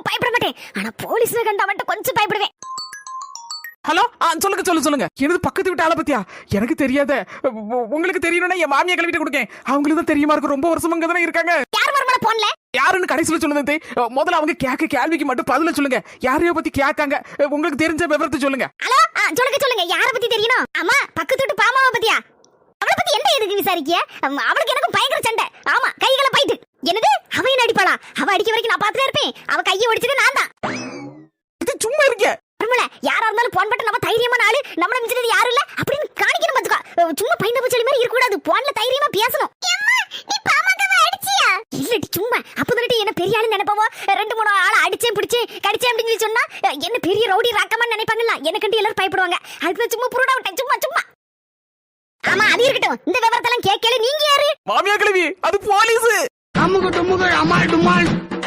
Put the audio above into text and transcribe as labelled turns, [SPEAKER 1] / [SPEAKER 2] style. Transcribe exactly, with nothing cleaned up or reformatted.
[SPEAKER 1] பயப்பட மாட்டேன். ஆனா போலீஸ்ல கண்டா மட்டும் கொஞ்சம் பயப்படுவேன்.
[SPEAKER 2] ஹலோ, சொல்லுங்க சொல்லுங்க சொல்லுங்க. எனது பக்கத்து வீட்டு ஆளை பத்தியா? எனக்கு தெரியாத. உங்களுக்கு தெரியணும்னா என் மாமியா கிளம்பிட்டு கொடுங்க. அவங்களுக்கு தான் தெரியுமா இருக்கு, ரொம்ப வருஷம் அங்க தானே இருக்காங்க.
[SPEAKER 1] யார் மரமல போன்ல
[SPEAKER 2] யாருன்னு கடைசியில சொல்லுங்க. முதல்ல அவங்க கேட்க கேள்விக்கு மட்டும் பதில சொல்லுங்க. யாரையோ பத்தி கேட்காங்க, உங்களுக்கு தெரிஞ்ச விவரத்தை சொல்லுங்க.
[SPEAKER 1] ஹலோ, சொல்லுங்க சொல்லுங்க. யாரை பத்தி தெரியணும்? ஆமா, பக்கத்து வீட்டு பாமாவை பத்தியா? அவளை பத்தி என்ன எதுக்கு விசாரிக்கிய? அவளுக்கு எனக்கு பயங்கர சண்டை. ஆமா, கைகளை போயிட்டு. என்னது, அவ என்ன அடிப்பாளா? அவ அடிக்க வரைக்கும் நான் பாத்துட்டே இருப்பேன். அவ கையை ஒடிச்சது நான் தான்.
[SPEAKER 2] இது சும்மா இருக்க.
[SPEAKER 1] யாரா இருந்தாலும் போன் பட்டு நம்ம தைரியமான ஆளு, நம்மள மிஞ்சது யாரும் இல்ல அப்படின்னு காணிக்கணும். பாத்துக்கோ, சும்மா பைந்த பச்சளி மாதிரி இருக்க கூடாது. போன்ல தைரியமா பேசணும். நீ பாமாக்கவ அடிச்சியா? இல்லடி, சும்மா அப்பதான் என்ன பெரிய ஆளு நினைப்பவோ. ரெண்டு மூணு ஆளை அடிச்சே பிடிச்சு கடிச்சே அப்படின்னு சொன்னா என்ன பெரிய ரவுடி ராக்கமா நினைப்பாங்கல்ல. எனக்கு எல்லாரும் பயப்படுவாங்க. அதுக்கு சும்மா புருடா விட்டேன், சும்மா சும்மா. ஆமா, அது இருக்கட்டும். இந்த விவரத்தெல்லாம் கேட்கல. நீங்க யாரு?
[SPEAKER 2] மாமியா கிளவி, அது போலீஸ்.
[SPEAKER 3] அம்முக்கு டும்முக்கு அம்மாள் டும்மாள்.